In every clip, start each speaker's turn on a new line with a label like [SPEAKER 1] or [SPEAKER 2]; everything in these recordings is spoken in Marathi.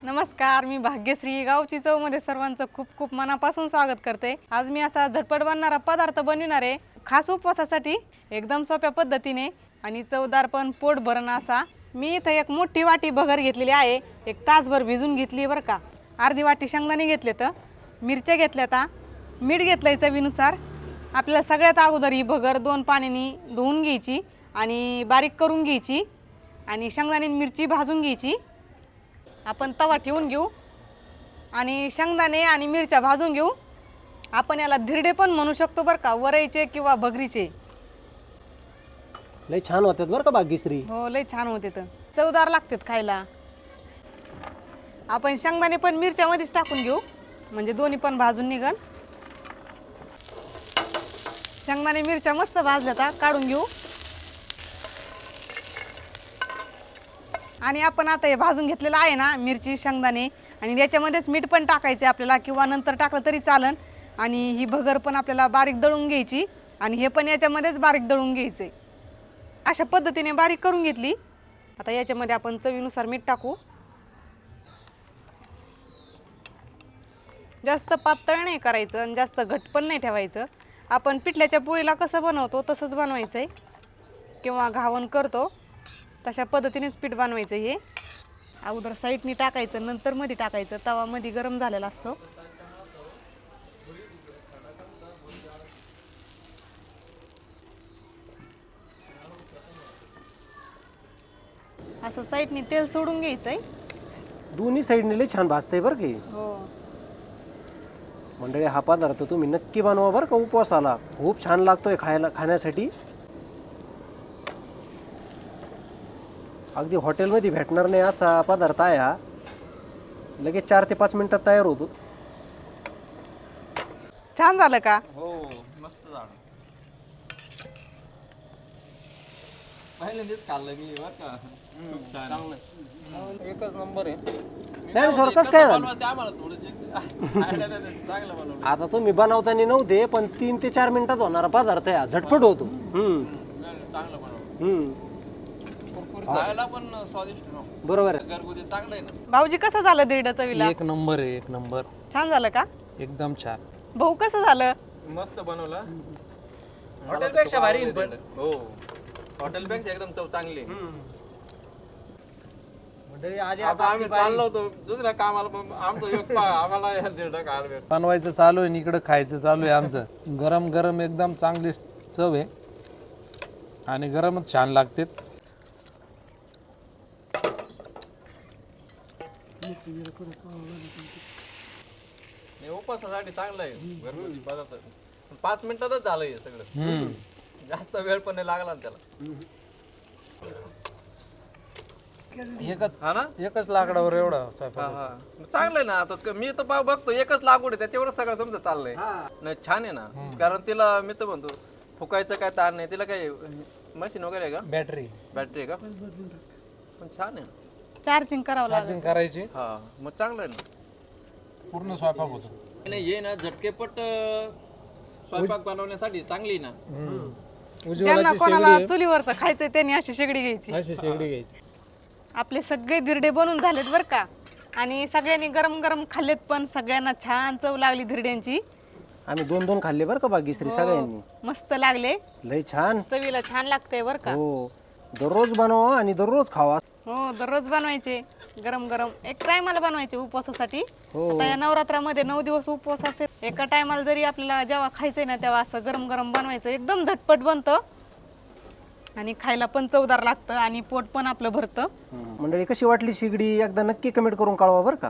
[SPEAKER 1] नमस्कार, मी भाग्यश्री गावची चवमध्ये सर्वांचं खूप खूप मनापासून स्वागत करते। आज मी असा झटपट बनणारा पदार्थ बनविणार आहे, खास उपवासासाठी एकदम सोप्या पद्धतीने आणि चवदार पण पोट भरण असा। मी इथे एक मोठी वाटी भगर घेतलेली आहे, एक तासभर भिजून घेतली बरं का। अर्धी वाटी शेंगदाणे घेतले, तर मिरच्या घेतल्या, मीठ घेतलंय चवीनुसार। आपल्याला सगळ्यात अगोदर ही भगर 2 पाण्याने धुवून घ्यायची आणि बारीक करून घ्यायची आणि शेंगदाणे मिरची भाजून घ्यायची। आपण तवा ठेवून घेऊ आणि शेंगदाणे आणि मिरच्या भाजून घेऊ। आपण याला धिरडे पण म्हणू शकतो बरं का, वरईचे किंवा भगरीचे।
[SPEAKER 2] लय छान होतात बरं का भाग्यश्री।
[SPEAKER 1] हो, लय छान होते, तर चवदार लागतात खायला। आपण शेंगदाणे पण मिरच्यामध्येच टाकून घेऊ, म्हणजे दोन्ही पण भाजून निघल। शेंगदाणे मिरच्या मस्त भाजल्या, तर काढून घेऊ। आणि आपण आता हे भाजून घेतलेलं आहे ना, मिरची शेंगदाणे, आणि याच्यामध्येच मीठ पण टाकायचे आपल्याला, किंवा नंतर टाकलं तरी चालन। आणि ही भगर पण आपल्याला बारीक दळून घ्यायची आणि हे पण याच्यामध्येच बारीक दळून घ्यायचे। अशा पद्धतीने बारीक करून घेतली। आता याच्यामध्ये आपण चवीनुसार मीठ टाकू। जास्त पातळ नाही करायचं आणि जास्त घट्ट पण नाही ठेवायचं। आपण पिठल्याच्या पोळीला कसं बनवतो तसंच बनवायचं आहे, किंवा घावण करतो तशा पद्धतीनेच पीठ बनवायचं। हे अगोदर साईडनी टाकायचं, नंतर मध्ये टाकायचं। तवा मध्ये गरम झालेला असतो। असं साईडनी तेल सोडून घ्यायचंय।
[SPEAKER 2] दोन्ही साईडने लय छान भाजतंय बरं की।
[SPEAKER 1] हो,
[SPEAKER 2] मंडळी, हा पदार्थ तुम्ही नक्की बनवा बरं का उपवासाला। खूप छान लागतोय खाण्यासाठी। अगदी हॉटेलमध्ये भेटणार नाही असा पदार्थ आहे हा। लगेच 4 ते 5 मिनिटात तयार होतो।
[SPEAKER 1] छान झालं का?
[SPEAKER 3] हो, मस्त झालं। पहिल्यांदाच खाल्लं मी बरं का। खूप छान, चांगलं, एकच नंबर आहे।
[SPEAKER 2] नाही सर, कसं काय झालं?
[SPEAKER 3] आम्हाला थोडंसं आयडिया द्या, चांगलं बनवलं।
[SPEAKER 2] आता तुम्ही बनवताना नव्हते, पण 3 ते 4 मिनिटात होणारा पदार्थ आहे हा, झटपट होतो।
[SPEAKER 3] चांगलं बनवलं, खायला पण स्वादिष्ट ना,
[SPEAKER 2] बरोबर आहे।
[SPEAKER 3] घरगुती चांगलं आहे ना।
[SPEAKER 1] भाऊजी, कसं झालं धिरडं चवीला?
[SPEAKER 4] एक नंबर आहे, एक नंबर,
[SPEAKER 1] छान झालं का?
[SPEAKER 4] एकदम छान।
[SPEAKER 1] भाऊ, कसं झालं?
[SPEAKER 3] मस्त बनवलं,
[SPEAKER 2] हॉटेलपेक्षा भारी आहे पण।
[SPEAKER 3] हो, हॉटेलपेक्षा एकदम चव चांगली आहे।
[SPEAKER 2] मंडळी, आधी
[SPEAKER 3] आता आम्ही चाललो होतो दुसऱ्या कामाला, पण आमचं योग आम्हाला दीड खायला भेट।
[SPEAKER 4] बनवायचं चालू आहे आणि इकडं खायचं चालू आहे आमचं। गरम गरम एकदम चांगली चव आहे आणि गरमच छान लागते।
[SPEAKER 3] उपवासासाठी चांगलं आहे घरगुती पदार्थ। 5 मिनिटातच झालं हे सगळं, जास्त वेळ पण नाही लागला ना त्याला।
[SPEAKER 4] एकच लाकडावर एवढा स्वयंपाक.
[SPEAKER 3] चांगलं आहे ना। आता मी तर बघतो एकच लागवड आहे, त्याच्यावर सगळं तुमचं चाललंय नाही। छान आहे ना, कारण तिला मी तर म्हणतो फुकायचं काय ताण नाही तिला। काय मशीन वगैरे आहे का?
[SPEAKER 4] बॅटरी
[SPEAKER 3] बॅटरी आहे का? पण छान आहे,
[SPEAKER 1] चार्जिंग करावं लागेल।
[SPEAKER 4] चार्जिंग करायची,
[SPEAKER 3] हा मग चांगलं आहे ना।
[SPEAKER 4] पूर्ण स्वयंपाक होतो।
[SPEAKER 3] नाही, ये ना झटकेपट स्वयंपाक बनवण्यासाठी चांगली ना।
[SPEAKER 1] ज्यांना कोणाला चुलीवरचं खायचंय त्यांनी अशी शेगडी घ्यायची।
[SPEAKER 4] अशी शेगडी घ्यायची।
[SPEAKER 1] आपले सगळे धिरडे बनून झालेत बरं का, आणि सगळ्यांनी गरम गरम खाल्लेत पण। सगळ्यांना छान चव लागली धिरड्यांची।
[SPEAKER 2] आम्ही 2-2 खाल्ले बरं का भाग्यश्री, सगळ्यांनी।
[SPEAKER 1] मस्त लागले,
[SPEAKER 2] लय छान,
[SPEAKER 1] चवीला छान लागतंय बरं का।
[SPEAKER 2] हो, दररोज बनवा आणि दररोज खावा।
[SPEAKER 1] हो, दररोज बनवायचे गरम गरम। एक टायमाला बनवायचे उपवासासाठी।
[SPEAKER 2] हो.
[SPEAKER 1] आता या नवरात्रामध्ये 9 दिवस उपवास असते। एका टायमाला जरी आपल्याला जेव्हा खायचंय ना, तेव्हा असं गरम गरम बनवायचं। एकदम झटपट बनतं आणि खायला पण चवदार लागतं आणि पोट पण आपलं भरतं।
[SPEAKER 2] मंडळी, कशी वाटली शेगडी एकदा नक्की कमेंट करून कळवा बरं का।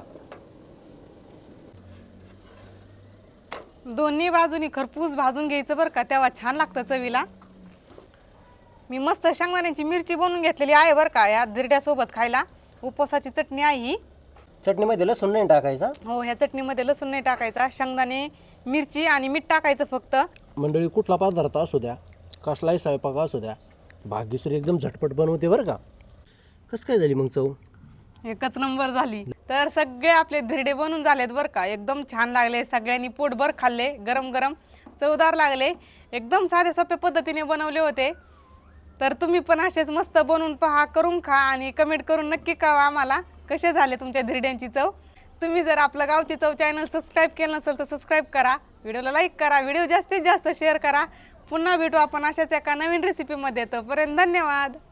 [SPEAKER 1] दोन्ही बाजूनी खरपूस भाजून घ्यायचं बरं का, तेव्हा छान लागतं चवीला। मी मस्त शेंगदाण्याची मिरची बनवून घेतलेली आहे बरं का, या धिरड्यासोबत खायला। उपवासाची चटणी आहे ही।
[SPEAKER 2] चटणीमध्ये लसूण नाही टाकायचा।
[SPEAKER 1] हो, ह्या चटणीमध्ये लसूण नाही टाकायचा, शेंगदाणे मिरची आणि मीठ टाकायचं फक्त।
[SPEAKER 2] मंडळी, कुठला पदार्थ असू द्या, कसलाही स्वयंपाक असू द्या, भाग्यश्री एकदम झटपट बनवते बरं का। कसं काय झाली मग चव?
[SPEAKER 1] एकच नंबर झाली। तर सगळे आपले धिरडे बनून झालेत बरं का, एकदम छान लागले। सगळ्यांनी पोटभर खाल्ले, गरम गरम चवदार लागले। एकदम साध्या सोप्या पद्धतीने बनवले होते। तर तुम्ही पण असेच मस्त बनवून पहा, करून खा आणि कमेंट करून नक्की कळवा आम्हाला। कसे झाले तुमच्या धिरड्यांची चव. तुम्ही जर आपलं गावची चव चॅनल सबस्क्राईब केलं नसेल तर सबस्क्राईब करा, व्हिडिओला लाईक करा, व्हिडिओ जास्तीत जास्त शेअर करा. पुन्हा भेटू आपण अशाच एका नवीन रेसिपीमध्ये. तोपर्यंत धन्यवाद.